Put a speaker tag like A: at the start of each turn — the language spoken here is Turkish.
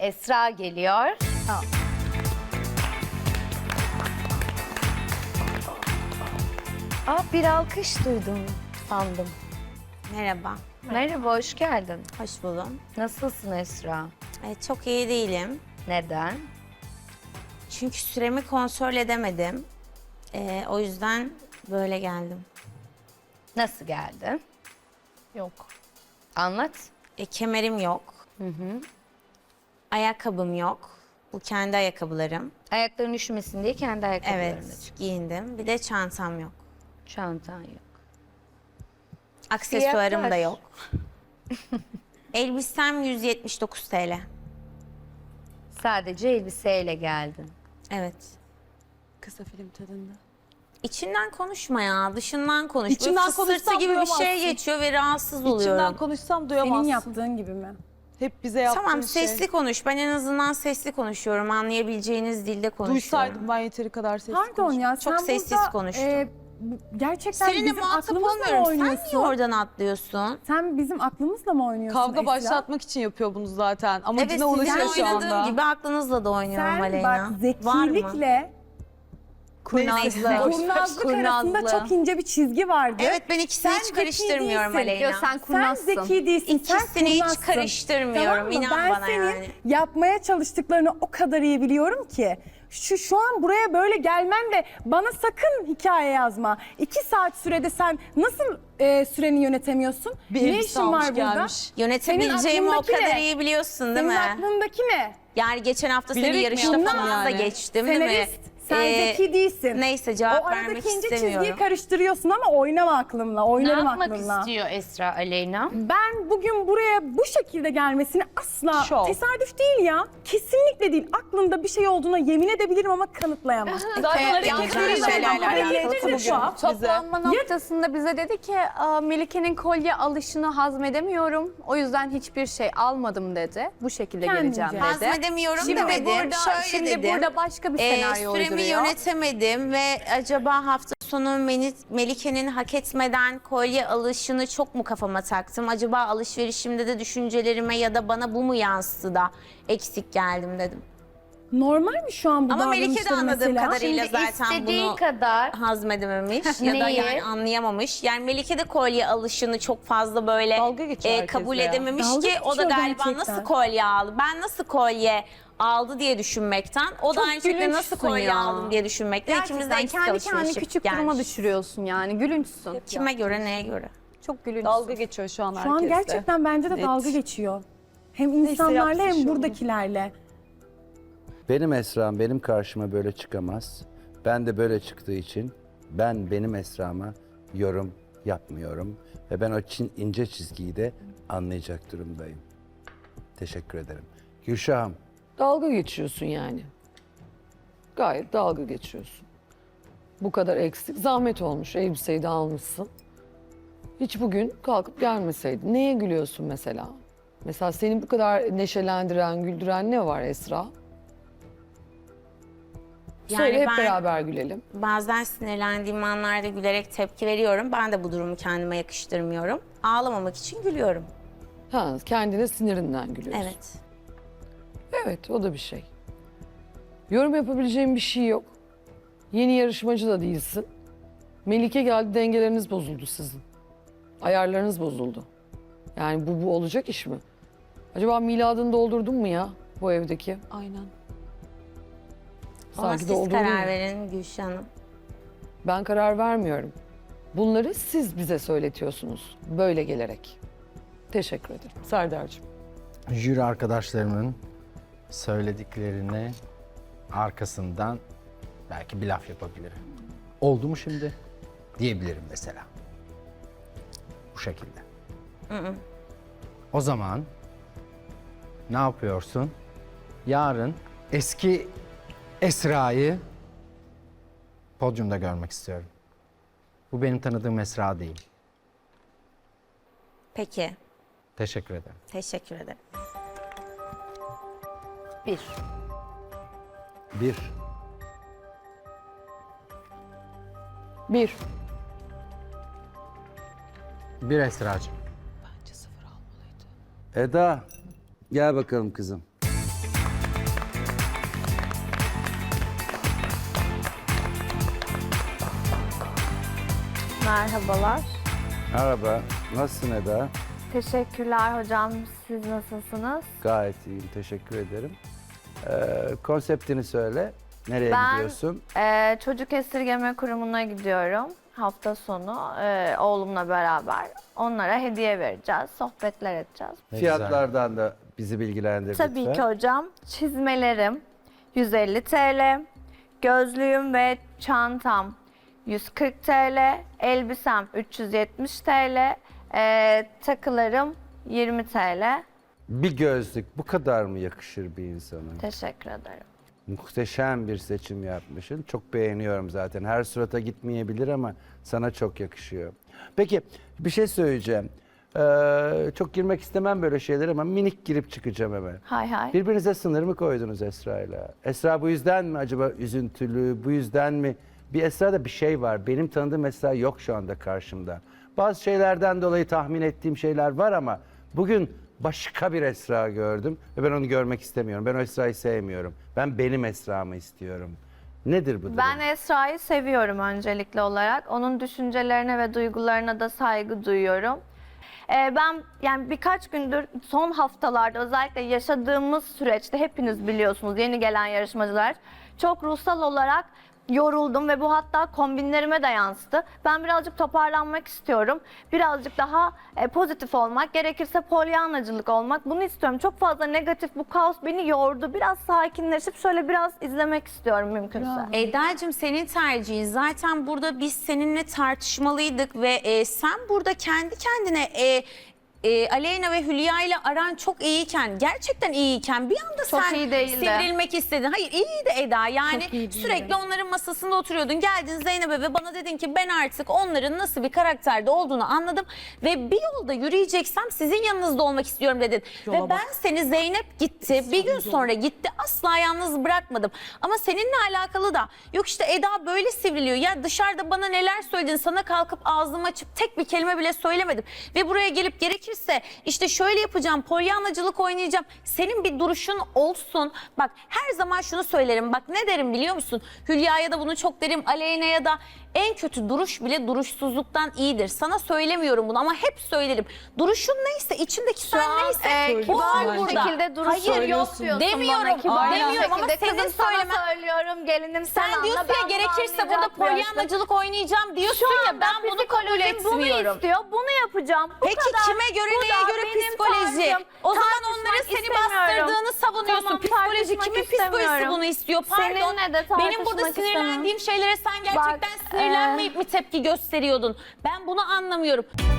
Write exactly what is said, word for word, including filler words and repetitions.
A: Esra geliyor.
B: Ha.
A: Aa, bir alkış duydum sandım.
C: Merhaba,
A: Merhaba, hoş geldin.
C: hoş buldum.
A: Nasılsın Esra?
C: Ee, çok iyi değilim.
A: Neden?
C: Çünkü süremi kontrol edemedim. Ee, o yüzden böyle geldim.
A: Nasıl geldin?
B: Yok.
A: Anlat.
C: E, kemerim yok. Ayakkabım yok. Bu kendi ayakkabılarım.
A: Ayakların üşümesin diye kendi ayakkabılarını
C: Evet,
A: çık.
C: giyindim. Bir de çantam yok.
A: Çantan yok.
C: Aksesuarım da
A: Fiyatlar?
C: yok. Elbisem yüz yetmiş dokuz T L.
A: Sadece elbiseyle geldin.
C: Evet.
D: Kısa film tadında.
C: İçinden konuşma ya, dışından konuş.
D: İçimden
C: Böyle fısıltı
D: konuşsam
C: gibi bir şey
D: duyamazsın.
C: geçiyor ve rahatsız
D: İçimden
C: oluyorum.
D: konuşsam duyamazsın.
B: Senin yaptığın gibi mi?
D: Hep bize yaptığın
C: Tamam,
D: şey.
C: sesli konuş. Ben en azından sesli konuşuyorum. Anlayabileceğiniz dilde konuşuyorum.
D: Duysaydım ben yeteri kadar sesli
B: Pardon
D: konuşurdum.
B: ya
C: Çok
B: sen
C: sessiz
B: burada,
C: konuştun.
B: e, bu- gerçekten
C: Seninle
B: bizim
C: muhatap
B: aklımızla mı
C: olmuyorum. Sen
B: oynuyorsun?
C: niye oradan atlıyorsun?
B: Sen bizim aklımızla mı oynuyorsun
D: Kavga
B: Esra?
D: başlatmak için yapıyor bunu zaten. Amacına
C: Evet,
D: ulaşıyor
C: sizin
D: şu
C: oynadığım
D: anda.
C: gibi aklınızla da oynuyorum
B: Sen
C: Aleyna.
B: bak
C: Var mı?
B: zekilikle
C: Kurnazlık.
B: kurnazlık arasında çok ince bir çizgi vardı.
C: Evet, ben ikisini
B: Sen
C: hiç
B: zeki
C: karıştırmıyorum
B: değilsin.
C: Aleyna.
A: Diyor, sen
B: Sen
A: kurnazsın.
B: zeki değilsin, sen
C: İkisini hiç
B: kurnazsın.
C: karıştırmıyorum,
B: Tamam mı?
C: inan
B: ben
C: bana
B: senin
C: yani.
B: yapmaya çalıştıklarını o kadar iyi biliyorum ki. Şu şu an buraya böyle gelmen de bana sakın hikaye yazma. İki saat sürede sen nasıl e, süreni yönetemiyorsun?
D: Bir
B: ne
D: elbise
B: işin
D: almış
B: var burada?
D: gelmiş.
C: Yönetebileceğimi o
B: aklındaki
C: kadar
B: ne?
C: iyi biliyorsun değil
B: Senin
C: mi?
B: aklındaki ne?
C: Yani geçen hafta seni
D: Bilerek mi
C: yarışta
D: yaptın
C: falan da
D: yani?
C: geçtim değil mi?
B: Senarist. Sen
C: Ee,
B: zeki değilsin.
C: Neyse, cevap
B: O
C: vermek
B: aradaki ince
C: istemiyorum.
B: çizgiyi karıştırıyorsun ama oynama aklımla,
A: Ne
B: oynarım
A: yapmak
B: aklımla.
A: istiyor Esra Aleyna?
B: Ben bugün buraya bu şekilde gelmesini asla
D: Şov.
B: tesadüf değil ya. Kesinlikle değil. Aklımda bir şey olduğuna yemin edebilirim ama kanıtlayamam.
D: Zaten
C: yanlış
D: hareketleriyle
C: şeylerle
D: hareketleri
C: alakalı
D: de
C: bugün.
D: tuhaf bize.
E: Toplanma noktasında bize dedi ki "Aa, Melike'nin kolye alışını hazmedemiyorum. O yüzden hiçbir şey almadım" dedi. Bu şekilde
B: Kendince.
E: geleceğim dedi.
C: Hazmedemiyorum
E: Şimdi
C: demedim.
E: burada,
C: Şöyle
E: şimdi
C: dedim.
E: burada başka bir
C: Ee,
E: senaryo
C: süremi
E: uyduruyor.
C: yönetemedim ve acaba hafta sonu Meni- Melike'nin hak etmeden kolye alışını çok mu kafama taktım? Acaba alışverişimde de düşüncelerime ya da bana bu mu yansıdı da eksik geldim dedim.
B: Normal mi şu an bu
C: Ama Melike de
B: davranışları
C: anladığım
B: mesela?
C: kadarıyla
A: Şimdi
C: zaten
A: istediği
C: bunu
A: kadar
C: hazmedememiş ya da
A: Neyi?
C: yani anlayamamış. Yani Melike de kolye alışını çok fazla böyle
D: Dalga geçiyor
C: e,
D: herkesle
C: kabul
D: ya.
C: edememiş
B: Dalga
C: ki o da
B: geçiyor
C: galiba
B: gerçekten.
C: nasıl kolye aldı? Ben nasıl kolye aldı diye düşünmekten, o da
E: Çok
C: aynı şekilde nasıl
E: gülünçsün
C: kolye
E: ya.
C: aldım diye düşünmekten ikimiz de
E: Gerçekten
C: eksik
E: kendi
C: alışverişe
E: kendini küçük duruma
C: gelmiş.
E: düşürüyorsun yani. Gülünçsün.
C: Kime göre, neye göre?
E: Çok gülünçsün.
D: Dalga geçiyor şu an
B: Şu
D: herkesle.
B: an gerçekten bence de
D: Net.
B: dalga geçiyor. Hem insanlarla
D: yapsın
B: hem
D: şovunu.
B: buradakilerle.
F: Benim Esra'm benim karşıma böyle çıkamaz. Ben de böyle çıktığı için ben benim Esra'ma yorum yapmıyorum. Ve ben o çin, ince çizgiyi de anlayacak durumdayım. Teşekkür ederim. Gülşah'ım,
G: Dalga geçiyorsun yani. Gayet dalga geçiyorsun. Bu kadar eksik. Zahmet olmuş. Elbiseyi de almışsın. Hiç bugün kalkıp gelmeseydin. Neye gülüyorsun mesela? Mesela seni bu kadar neşelendiren, güldüren ne var Esra? Söyle
C: Yani
G: hep
C: ben-
G: beraber gülelim.
C: Bazen sinirlendiğim anlarda gülerek tepki veriyorum. Ben de bu durumu kendime yakıştırmıyorum. Ağlamamak için gülüyorum.
G: Ha, kendine sinirinden gülüyorsun.
C: Evet.
G: Evet, o da bir şey. Yorum yapabileceğim bir şey yok. Yeni yarışmacı da değilsin. Melike geldi, dengeleriniz bozuldu sizin. Ayarlarınız bozuldu. Yani bu, bu olacak iş mi? Acaba miladını doldurdun mu ya bu evdeki?
D: Aynen.
C: Ona siz
G: doldurdun
C: karar
G: mu?
C: verin Gülşah Hanım.
G: Ben karar vermiyorum. Bunları siz bize söyletiyorsunuz böyle gelerek. Teşekkür ederim. Serdar'cığım.
H: Jüri arkadaşlarımın söylediklerini arkasından belki bir laf yapabilirim. Oldu mu şimdi? Diyebilirim mesela. Bu şekilde. O zaman ne yapıyorsun? Yarın eski Esra'yı podyumda görmek istiyorum. Bu benim tanıdığım Esra değil.
C: Peki.
H: Teşekkür ederim.
C: Teşekkür ederim.
A: bir.
F: bir.
G: Bir.
H: Bir Esra'cığım.
F: Eda, gel bakalım kızım.
I: Merhabalar.
F: Merhaba, nasılsın Eda?
I: Teşekkürler hocam. Siz nasılsınız?
F: Gayet iyiyim, teşekkür ederim. Ee, konseptini söyle. Nereye
I: Ben
F: gidiyorsun?
I: e, çocuk esirgeme kurumuna gidiyorum. Hafta sonu e, oğlumla beraber. Onlara hediye vereceğiz, sohbetler edeceğiz.
H: Ne güzel.
F: Fiyatlardan da bizi bilgilendir
I: Tabii
F: lütfen.
I: ki hocam. Çizmelerim yüz elli TL, gözlüğüm ve çantam yüz kırk TL, elbisem üç yüz yetmiş TL, e, takılarım yirmi TL.
F: Bir gözlük bu kadar mı yakışır bir insana?
I: Teşekkür ederim.
F: Muhteşem bir seçim yapmışsın. Çok beğeniyorum zaten. Her surata gitmeyebilir ama sana çok yakışıyor. Peki bir şey söyleyeceğim. Ee, çok girmek istemem böyle şeylere ama minik girip çıkacağım hemen.
I: Hay hay.
F: Birbirinize sınır mı koydunuz Esra'yla? Esra bu yüzden mi acaba üzüntülü, bu yüzden mi? Bir Esra'da bir şey var. Benim tanıdığım Esra yok şu anda karşımda. Bazı şeylerden dolayı tahmin ettiğim şeyler var ama bugün başka bir Esra gördüm ve ben onu görmek istemiyorum. Ben o Esra'yı sevmiyorum. Ben benim Esra'mı istiyorum. Nedir bu durum?
I: Ben Esra'yı seviyorum öncelikli olarak. Onun düşüncelerine ve duygularına da saygı duyuyorum. Ee, ben yani birkaç gündür son haftalarda özellikle yaşadığımız süreçte hepiniz biliyorsunuz yeni gelen yarışmacılar çok ruhsal olarak yoruldum ve bu hatta kombinlerime de yansıdı. Ben birazcık toparlanmak istiyorum. Birazcık daha e, pozitif olmak, gerekirse polyanacılık olmak. Bunu istiyorum. Çok fazla negatif bu kaos beni yordu. Biraz sakinleşip şöyle biraz izlemek istiyorum mümkünse.
C: Eda'cığım senin tercihin. Zaten burada biz seninle tartışmalıydık ve e, sen burada kendi kendine e, e, Aleyna ve Hülya ile aran çok iyiyken, gerçekten iyiyken bir anda
I: Çok
C: sen
I: iyi değildi.
C: sivrilmek istedin. Hayır iyiydi Eda yani sürekli onların masasında oturuyordun. Geldin Zeynep'e ve bana dedin ki ben artık onların nasıl bir karakterde olduğunu anladım ve bir yolda yürüyeceksem sizin yanınızda olmak istiyorum dedin. Ve ben seni Zeynep gitti, bir gün sonra gitti asla yalnız bırakmadım. Ama seninle alakalı da yok işte Eda böyle sivriliyor. Ya dışarıda bana neler söyledin, sana kalkıp ağzımı açıp tek bir kelime bile söylemedim. Ve buraya gelip gerekirse işte şöyle yapacağım, polyanacılık oynayacağım. Senin bir duruşun olsun. Bak her zaman şunu söylerim. Bak ne derim biliyor musun? Hülya'ya da bunu çok derim. Aleyna'ya da en kötü duruş bile duruşsuzluktan iyidir. Sana söylemiyorum bunu ama hep söylerim. Duruşun neyse, içindeki sen
I: an,
C: neyse
I: e,
C: bu
I: kibar
C: var
I: bir
C: burada.
I: şekilde duruş
C: Hayır
I: söylüyorsun
C: yok demiyorum.
I: bana, kibar bir
C: Demiyorum ama
I: şekilde.
C: senin
I: Kızım sana
C: söylemen...
I: söylüyorum gelinim sen,
C: Sen
I: anla,
C: diyorsun
I: ben
C: ya
I: bunu
C: gerekirse burada
I: anlayacak bir yaşta.
C: polyanacılık oynayacağım diyorsun
I: Şu
C: ya
I: anda
C: ben bunu kabul
I: psikolojim bunu
C: etmiyorum.
I: istiyor, bunu yapacağım. Bu
C: Peki
I: kadar.
C: kime göre
I: Bu
C: neye
I: da
C: göre
I: benim
C: psikoloji?
I: tarzım.
C: O zaman
I: Tartışmak
C: onların seni
I: istemiyorum.
C: bastırdığını savunuyorsun.
I: Tamam,
C: Psikoloji
I: tartışmak
C: kimin psikolojisi
I: istemiyorum.
C: bunu istiyor? Pardon.
I: Seninle de
C: Benim burada
I: tartışmak
C: sinirlendiğim şeylere sen gerçekten
I: Bak,
C: sinirlenmeyip mi tepki gösteriyordun? Ben bunu anlamıyorum.